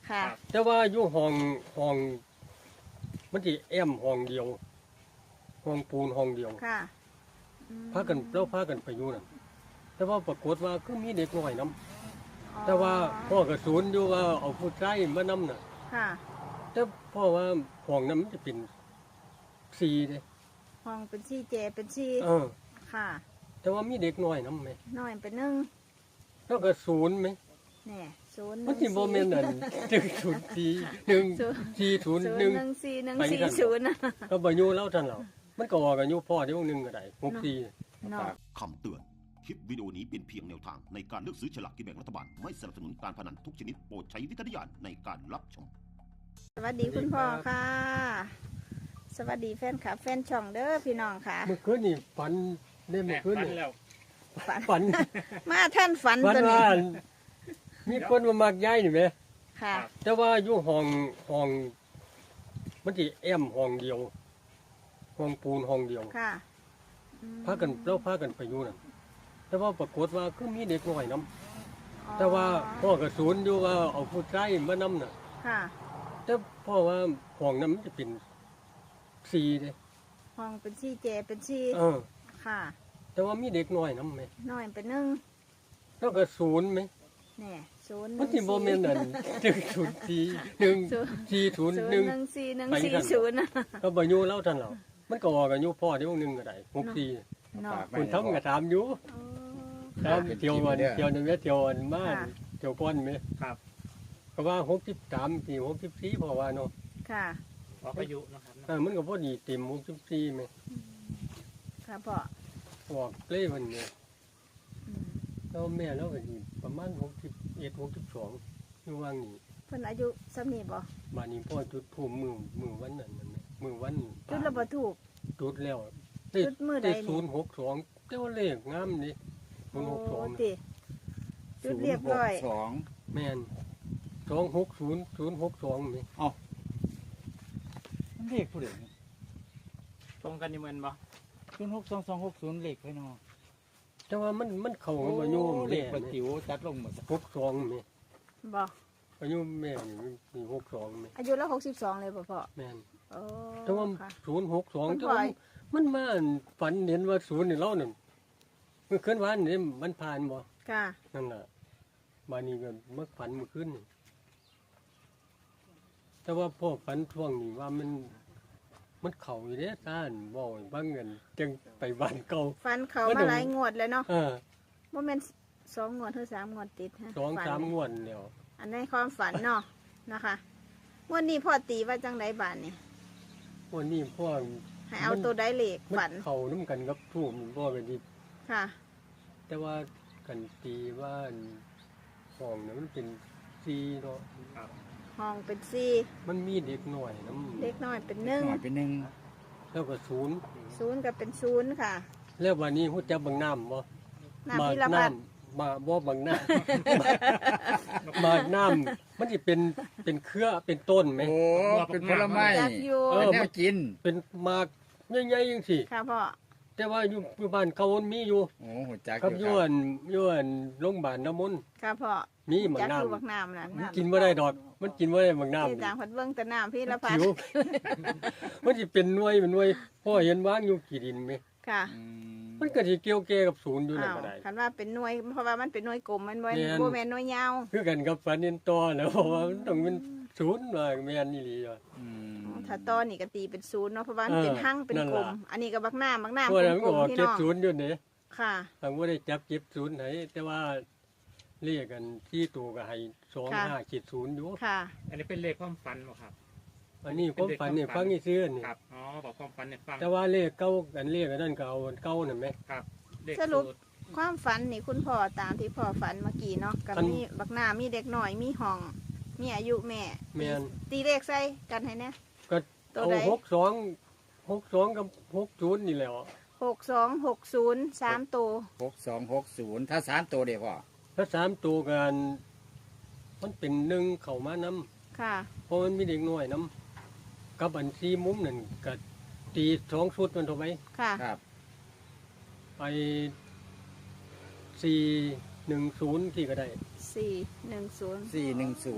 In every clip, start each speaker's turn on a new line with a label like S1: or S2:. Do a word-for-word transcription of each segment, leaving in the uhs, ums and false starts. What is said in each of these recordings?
S1: ค่ะ
S2: แต่ว่าอยู่ห้องห้องมันสิแอมห้องเดียวห้องปูนห้องเดียว
S1: ค่ะ
S2: พากันแล้วพากันไปอยู่นั่นแต่ว่าปรากฏว่าคือมีเด็กน้อยนํแต่ว่าพ่อก็สูนอยู่ว่าเอาผู้ชายมานํน่ะ
S1: ค่ะ
S2: แต่พ่อว่าห้องนั้นมันจะเป็นสี่เด้
S1: ห้องเป็นซี่เจเป็นซี่
S2: เออ
S1: ค่ะ
S2: แต่ว่ามีเด็กน้อยนํไหม
S1: น้อยเป็นหนึ่ง
S2: แล้วก็ศูนย์ไหม
S1: แน่ศูนย์
S2: มันสิบ่แม่นนั่นหนึ่งศูนย์สี่หนึ่งสี่ศูนย์
S1: ศูน
S2: หนึ่ง
S1: ย์หนึ่งสี่หนึ่ง
S2: ไป
S1: สี่
S2: กัน
S1: ศูนย์นะ
S2: ก็บ่อยู่แล้วท่านเรามันก็ออกอายุพ่อเดี๋ยวหนึงก็ได้หกสี่
S1: เนาะ
S3: คำเตือน คลิปวิดีโอนี้เป็นเพียงแนวทางในการเลือกซื้อฉลากกินแบ่งรัฐบาล ไม่สนับสนุนการพนันทุกชนิดโปรดใช้วิจารณญาณในการรับชม
S1: สวัสดีคุณพ่อค่ะ สวัสดีแฟนคลับแฟนช่องเด้อพี่น้องค่ะ
S2: เมื่อคืนนี่ฝันได้เมื่อคืนนี่
S1: ฝัน
S2: ฝัน
S1: มาท่านฝัน
S2: ฝัน
S1: ตัวนี้
S2: ว่ามีคนมามักย้ายนี่แหม
S1: ค่ะ
S2: แต่ว่าอยู่ห้องห้องมันสิแอมห้องเดียวห้องปูนห้องเดียว
S1: ค่ะอืม
S2: พากันแล้วพากันไปอยู่นั่นแต่ว่าปรากฏว่าคือมีเด็กน้อยนํ
S1: อ๋อ
S2: แต่ว่าพ่อก็สูนอยู่ว่าเอาผู้ชายมานํน่ะ
S1: ค่ะ
S2: แต่พ่อว่าห้องนั้นมันจะเป็นสี่เด้
S1: ห้องเป็นซี่เจเป็นซี่
S2: เออ
S1: ค่ะ
S2: แต่ว่ามีเด็กน้อยนํไหม
S1: น้อยเป็นหนึ่ง
S2: แล้วก็ศูนย์ไหม
S1: แน่ศูนย์
S2: มันสิบ่แม่นนั่นหนึ่งศูนย์สี่หนึ่งสี่ศูนย์
S1: ศูน
S2: หนึ่ง
S1: ย์หนึ่งสี่หนึ่ง
S2: ไป
S1: สี่
S2: กัน
S1: ศูนย์นะ
S2: ก็บ่อยู่แล้วท่านเรามันก็ออกอายุพ่อเดี๋ยวหนึงก็ได้หกสี่
S1: เนาะ
S2: คนทำก็ถามอยู่
S1: อ๋อ
S2: ถามเที่ยววันเที่ยวนึงแม่เที่ยวอันมา
S1: ค่ะ
S2: เที่ยวก่อนแม่
S4: ครับ
S2: ก็ว่าหกสิบสามสี่หกสิบสี่เพราะว่าเนาะ
S1: ค่ะ
S4: ออกอายุนะครับ
S2: เออมันก็พอดีเต็มหกสิบสี่แม่
S1: ค่ะพ่อ
S2: ออกเลยมันเนี่ย
S1: อืม
S2: แล้วแม่แล้วก็สิประมาณหกสิบเอ็ดหกสิบสองอยู่ว่างนี้
S1: เพิ่นอายุสำนีบ่
S2: มานี้พ่อจุดภูมิมือมือวันนั้นนั่นแหละมือวัน
S1: จุดระบ่ถูก
S2: จุดแล้ว
S1: จุดมื้อใดนี่
S2: ศูนย์หกสองเจ้าเลขงามนี่ศูนย์หกสอง
S1: โติจุดเรียบร้อย
S5: สอง
S2: แม่นสองหกศูนย์ศูนย์หกสองนี่
S5: เลขผู้เด็ก
S4: ตรงกันอยู่เหมือนบ่
S5: ศูนย์หกสองสองหกศูนย์เลขไปเนาะ
S2: แต่ว่ามันมันเข้ากับอายุ
S5: เล
S2: แม่
S5: ขประจิ๋วจัดลงหมด
S2: หกสองนี่
S1: บ่
S2: อายุแม่นี่มีหกสองนี่
S1: อายุแล้วหกสิบสองเลยบ่พ่อ
S2: แม่น
S1: โอ้
S2: แต่ว่า
S1: ค่ะ
S2: ศูนย์หกสอง
S1: มัน
S2: แต่
S1: ปล่
S2: ว่า
S1: อย
S2: มันมาฝันเห็นว่าศูนย์นี่เล่านั่นเมื่อคืนวานนี่มันผ่านบ่
S1: ค่ะ
S2: นั่นแหละมานี่ก็เมื่อฝันเมื่อคืนนี่แต่ว่าพ่อฝันช่วงนี้ว่ามัน มันเข่าอยู่เด้ซ่านบ่อยบางเงินจังไปบ้านเก่า
S1: ฟันเขา
S2: มัน
S1: มา
S2: ต้อง
S1: หลายงวดแล้วเนาะ
S2: เออ
S1: บ่แม่นสองงวดหรือสามงวดติดฮะ
S2: สอง
S1: ฝัน
S2: สามงวดแล้ว
S1: อันในความฝันเนาะนะคะงวดนี้พ่อตีว่าจังไดบาดนี่
S2: วันนี้พ่อ
S1: ให้เอาตัวใดเลข
S2: มั
S1: ฝัน
S2: นเข่าน้ำกันกับทูมพ่อกันดี
S1: ค่ะ
S2: แต่ว่ากันตีว่าห้องนั้นมันเป็นซีเนาะ
S1: ห้องเป็นสี่
S2: มันมีเด็กหน่อยน้
S1: เล็กน้อยเป็นหนึ่ง
S5: หน่อยเป็นหนึ่ง
S2: ำแล้วก็ศูนย์
S1: ศูนย์ก็เป็นศูนย์ค่ะ
S2: แล้ววันนี้หูจักบางน้ำบ่
S1: น้ำพิรพัฒน์
S2: มาบ่บางน้ำ มาน้ำมันจะเป็นเป็นเครือเป็นต้นไหม
S5: โอ้เป็นผลไม้
S1: จากอยู่
S2: เออ
S5: เป็นแนวกิน
S2: เป็นหมากใหญ่ๆจังซี่
S1: ค่ะพ่อ
S2: แต่ว่าอยู่อยู่บ้านเขามันมีอยู่
S5: โอ้หัวจัก
S2: กับ
S5: อ
S2: อยู่
S5: ยู่
S2: อันอยู่อันโรงพยาบาลน้ำมนต์
S1: ค่ะพ่อ
S2: มีบาง
S1: จาก
S2: น้
S1: อยู่บักน้ำนั่น
S2: ำมันกินบ่ได้ดอก มันกินบ่ได้บางน้ำ
S1: ที่
S2: นี่
S1: ต่างพัดเบิ้งแต่น้ำพี่ละพั
S2: ผิ
S1: ด
S2: ว มันสิเป็นหน่วยเป็นหน่วยพ่อเห็นวางอยู่กี่ดินไหม
S1: ค่ะ
S5: อืม
S2: มันก็สิเกี่ยวแก่กับศูนย์อยู่นั่น
S1: อ้าว
S2: ก็ได้
S1: คันว่าเป็นหน่วยเพราะว่ามันเป็นหน่วยกลมมันบ่
S2: แม่น
S1: บ่แม่นหน่วยยาว
S2: คือกันกับฝันเห็นต่อแล้วเพราะว่ามันต้องเป็นศูนย์ว่าแม่นอีหลีว่ะ
S5: อืม
S1: ถ้าต้อนี่ก็ตีเป็นศูนย์เนาะเพราะว่ามันเป็น
S2: เออ
S1: หั่งเป็น
S2: นั่น
S1: กล
S2: ล่ะ
S1: ม อันนี้ก็บักหน้าบักหน้า
S2: เพราะ
S1: เป็
S2: นั้น
S1: น
S2: มัน
S1: กล
S2: ก็
S1: ม
S2: ออก
S1: พี่
S2: เจ็ด
S1: น้อง
S2: ศูนย์อยู่นี่
S1: ค่ะ
S2: ทางบ่ได้จับเจ็ดศูนย์ไหนแต่ว่าเรียกกันที่ตัวก็ให้สองห้าเจ็ดศูนย์อยู่
S1: ค่ะ
S4: อันนี้เป็นเลขความฝันบ่ครับ
S2: อันนี้ความฝันนี่ฟังนี่ซื้อนี่
S4: ครับ อ๋อ บอกความฝันเนี่ยฟัง
S2: แต่ว่าเลขเก้ากันเลขอันนั้นก็เอาเก้านั่นไหม
S4: ครับ เลข
S1: สรุป
S4: สูตร
S1: ความฝันนี่คุณพ่อตามที่พ่อฝันเมื่อกี้เนาะกับ
S2: ฝัน
S1: มีบักหน้ามีเด็กหน่อยมีห้อง มีอายุแม่
S2: แม่น
S1: ตีเลขใส่กันให้แน่
S2: ก็
S1: ตัว
S2: เอา
S1: ใด
S2: หกสองหกสองกับหกศูนย์นี่แหละ
S1: หกสองหกศูนย์สามตัว
S5: หกสองหกศูนย์ถ้าสามตัวเดียวพ่อ
S2: ถ้าสามตัวกันมันเป็นหนึ่งเข้ามานํ
S1: ค่ะ
S2: เพราะมันมีเด็กน้อยนํกับอันซีมุมนั่นก็ตีสองชุดมันเท่าไหม
S1: ค่ะ
S5: ครับ
S2: ไปสี่หนึ่งศูนย์ที่ก็ได้
S1: สี่หนึ่งศูนย์
S5: สี่หนึ่งศูนย์
S2: แ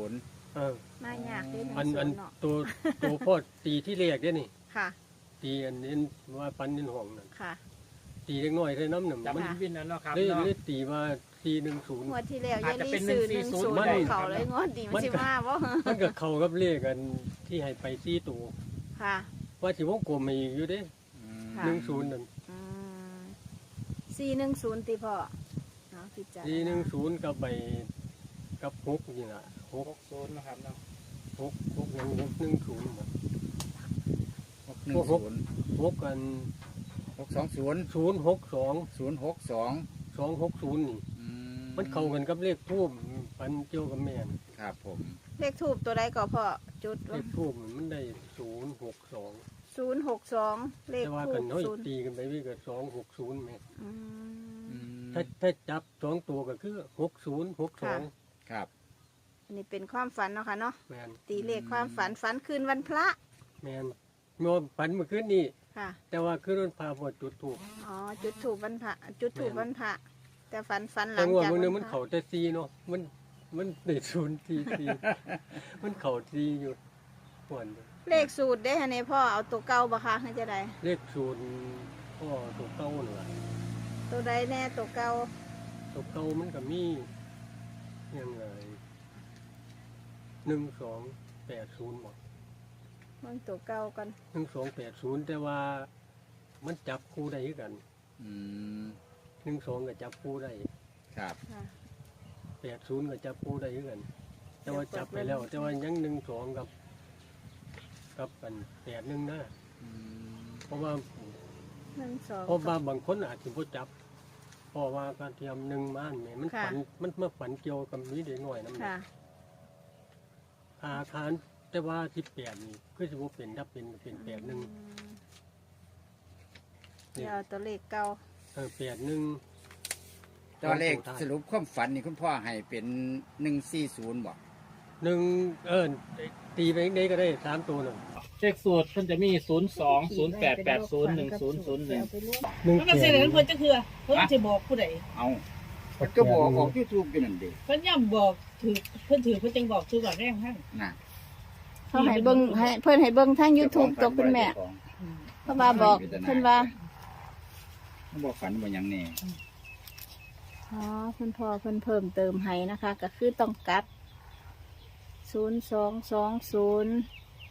S2: เออ
S1: มายากเด้หนึ่ง
S2: อัน
S1: ศู
S2: อัน
S1: นย์เนาะ
S2: ตัวตัวพ่อตีที่แรกเด้นี่
S1: ค่ะ
S2: ตีอันนี้ว่าปันนินห้องนั่น
S1: ค่ะ
S2: ตีเล็กน้อยใส่น้ำหนึ่ง
S4: จับ
S2: มัน
S4: วินวินนั่นเนาะครับ
S2: เลย
S4: เนาะ
S2: เลยตีว่าสี่หนึ่งศูนย์
S1: งวดที่แล้ว
S4: อาจ
S1: ยาย
S4: จะ
S1: ลี
S4: เป็น
S1: ซื้อ
S4: ห
S1: ห
S4: นึ่
S1: นึ่
S4: ง
S1: ง
S4: สี่
S1: ศู
S4: ศู
S1: น
S4: นย์
S1: ย์
S4: ได้
S1: ของเขาเลยงวดดีมันสิมาบ่
S2: มันกับเขากับเลขกันที่ให้ไปสี่ตัว
S1: ค่ะ
S2: ว่าสิวงกลมมาอีกอยู่เด้
S1: ค่ะ
S2: หนึ่งศูนย์นั่น
S1: อืมสี่หนึ่งศูนย์ตีพ่อเนาะพิจารณา
S2: สี่หนึ่งศูนย์กับใบกับหกนี่ล่ะหก
S4: หกศูนย์นะครับเนาะ
S2: หกหกยังหกหนึ่งศูนย์บ่
S5: หกหนึ่งศูนย์
S2: หกกัน
S5: หกสองศูนย์
S2: ศูนย์หกสอง
S5: ศูนย์หกสอง
S2: สองหกศูนย์นี่ มันเข้ากันกับเลขทูบปันเจียวกับแม่น
S5: ครับผม
S1: เลขทูบตัวใดก็พ่อจุด
S2: เลขทูบมันได้ศูนย์หกสอง
S1: ศูนย์หกสองเลข
S2: แต่ว่า
S1: ทู
S2: กัน
S1: บ
S2: น้อย
S1: ศูนย์
S2: ตีกันไปวิ่งกับสองหกศูนย์แม่
S1: อืม
S2: ถ้าถ้าจับสองตัวก็คือหกศูนย์หกสอง
S5: ครับ
S1: อันนี้เป็นความฝันเนาะค่ะเนาะ
S2: แมน
S1: ตีเลขความฝันฝันคืนวันพระ
S2: แมนโยมฝันเมื่อคืนนี้
S1: ค่ะ
S2: แต่ว่าคืนนั้นพาพอจุดถูก
S1: อ๋อจุดถูกวันพระจุดถูกวันพระแต่ฝันฝันหลั
S2: แต่
S1: ง
S2: ว่า
S1: จาก
S2: มือนึง
S1: วั
S2: มัน
S1: พระ
S2: เข่าแต่ซีเนาะมันมันได้ศูนย์ซีซี มันเข่าซีอยู่หวน
S1: เลขสูตรได้ฮะเนี่ยพ่อเอาตัวเก่าบ่คะให้จะได้
S2: เลขศูนย์พ่อตัวเก้าเหรอ
S1: ตัวใดแน่ตัวเก่า
S2: ตัวเก้ามันก็มียังไงหนึ่งสองแปดศูนย์หมด
S1: เบิ่งตัวเก่ากัน
S2: หนึ่งสองแปดศูนย์แต่ว่ามันจับคู่ได้คือกัน
S5: อืม
S2: หนึ่งสองก็จับคู่ได้
S5: ครับ
S1: ค่ะ
S2: แปดศูนย์ก็จับคู่ได้คือกัน แต่ว่าจับไปแล้ว แต่ว่ายังหนึ่งสองกับ กับกันแปดหนึ่งนะ
S5: อืม
S2: เพราะว่า
S1: หนึ่งสอง
S2: เพราะว่าบางคนอาจจะพ่จับเพราะว่าการเทียมหนึ่งม่านเนี่ยมัน
S1: ค่ะ
S2: ฝันมันมาฝันเกี่ยวกับนี้เด็กหน่อยน้ำหนั
S1: ค่ะ
S2: กอาคารแต่ว่าที่แปดนี่คือจะว่าเป็นถ้าเป็นก็เป็นแปดหนึ่ง
S1: อืมเดี๋ยวเอาตัวเลขเก่า
S2: เออแปดหนึ่ง
S5: ตัวเลขสรุปความฝันนี่คุณพ่อให้เป็นหนึ่งสี่ศูนย์บอก
S2: หนึ่งเออตีไปได้ก็ได้สามตัวหนึ่ง
S4: เลขสูตรเพิ่นจะมีศูนย์สองศูนย์แปดแปดศูนย์หนึ่งศูนย์ศูนย์หนึ่ง
S2: หนึ่ง
S6: มันก็
S2: แป
S6: เสีย
S2: ด
S6: เงินเพิ่นจะคือเพิ่นจะบอกผู้ใด
S5: เอามันก็บอกออกยูทูบกันนั่นเด็
S6: เพิ่นย่ำบอกถือเพิ่นถือเพิ่นจังบอกถือก่อนแรงให้
S5: น่ะ
S1: เขาให้เบิ้งให้เพิ่นให้เบิ้งทาง YouTube ตัวคุณแม่เพราะว่าบอกเพิ่นว่า
S5: มันบอกฝันว่าหยังแน่
S1: อ๋อเพิ่นพอเพิ่นเพิ่มเติมให้นะคะ ก็คือต้องกลับศูนย์สองสองศูนย์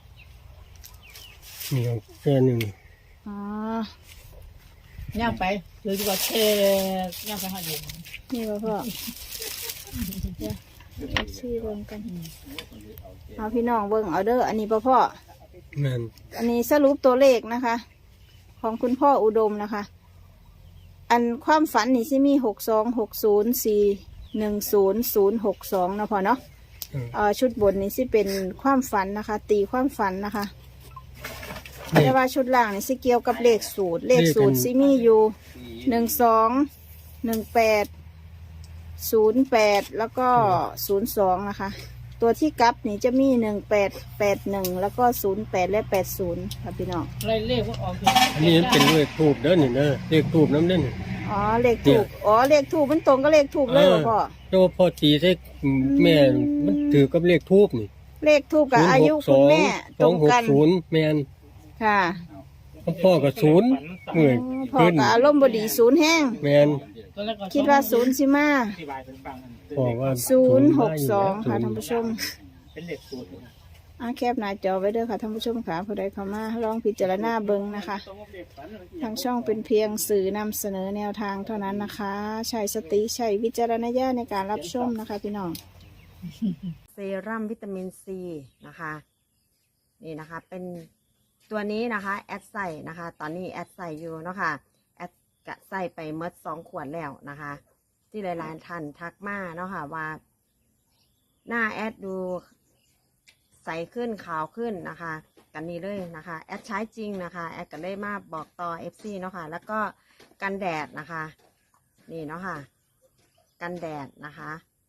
S2: นี่แค่หนึ่ง
S1: อ๋อ
S6: ย่ำไปถือก่อนเทย่ำไปหาเดียว
S1: นี่ว่าพ่อเดี๋ยวเอฟซีเบิ้งกันเอาพี่น้องเบิ้งเอาเด้ออันนี้พ่อพ่อ
S2: แม่น
S1: อันนี้สรุปตัวเลขนะคะ ของคุณพ่ออุดมนะคะ อันความฝันนี่สิมีหกสองหกศูนย์สี่หนึ่งศูนย์ศูนย์หกสองนะพ่อเนาะ
S2: เออ
S1: เอ่อชุดบนนี่สิเป็นความฝันนะคะ ตีความฝันนะคะ
S2: เลข
S1: แต่ว่าชุดล่างนี่สิเกี่ยวกับเลขสูตร เลขสูตรสิมีอยู่หนึ่งสองหนึ่งแปดศูนย์แปดแล้วก็ศูนย์สองนะคะ ตัวที่กลับนี่จะมีหนึ่งแปดแปดหนึ่งแล้วก็ศูนย์แปดและแปดศูนย์ค่ะพี่น้อง
S6: อะไรเลขว่าออก
S2: อันนี้มันเป็นเลขทูบเด้อนี่เด้อเลขทูบน้ำเด้อนี่
S1: อ๋อเลขถูกอ๋อเลขถูกมันตรงกับเลขถูกเลยเหรอพ่อ
S2: แต่ว่าพอตีใส่แม่มันถือกับเลขทูบนี่
S1: เลขถูกกับอายุคุณแม่
S2: ส
S1: ต
S2: อ
S1: รง ง
S2: หก
S1: กัน
S2: ศูนย์แม่น
S1: ค่ะ
S2: พ่อกับศูนย์เมื่อย
S1: พ่อ
S2: ขึ้น
S1: กับอารมณ์บดีศูนย์แห้ง
S2: แม่น
S1: คิดว่าศูนย์สิมา
S4: อธิบายเป็นฟัง
S2: พ่อว่า
S1: ศูนย์หกสอง
S2: ศู
S1: ค่ะ
S2: นย์
S1: ท่านผู้ชม
S4: เป็นเลขสูตร
S1: อาแคบหน้าจอไว้เด้อค่ะท่านผู้ชมค่ะผู้ใดเข้ามาลองพิจารณาเบิ่งนะคะ ทางช่องเป็นเพียงสื่อนำเสนอแนวทางเท่านั้นนะคะ ใช้สติใช้วิจารณญาณในการรับชมนะคะพี่น้อง
S7: เซรั่มวิตามินซีนะคะ นี่นะคะ เป็นตัวนี้นะคะแอดใส่นะคะ ตอนนี้แอดใส่อยู่เนาะค่ะแอดกะใส่ไปเมดสองขวดแล้วนะคะ ที่หลายๆท่านทักมาเนาะค่ะว่า หน้าแอดดูใสขึ้นขาวขึ้นนะคะ กันนี้เลยนะคะแอดใช้จริงนะคะแอดก็ได้มาบอกต่อ เอฟ ซี เนาะค่ะแล้วก็กันแดดนะคะ นี่เนาะค่ะกันแดดนะคะ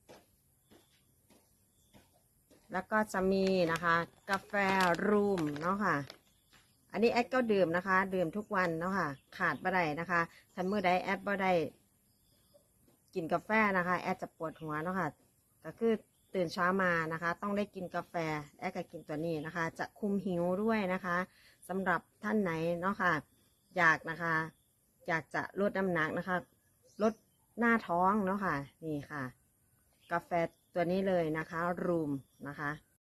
S7: แล้วก็จะมีนะคะกาแฟรูมเนาะค่ะ อันนี้แอดก็ดื่มนะคะ ดื่มทุกวันเนาะค่ะ ขาดบ่ได้นะคะถ้าเมื่อใดแอดบ่ได้กินกาแฟนะคะแอดจะปวดหัวเนาะค่ะก็คือตื่นเช้ามานะคะ ต้องได้กินกาแฟแอดก็กินตัวนี้นะคะ จะคุมหิวด้วยนะคะสำหรับท่านไหนเนาะค่ะอยากนะคะอยากจะลดน้ำหนักนะคะลดหน้าท้องเนาะค่ะนี่ค่ะ กาแฟตัวนี้เลยนะคะรูมนะคะ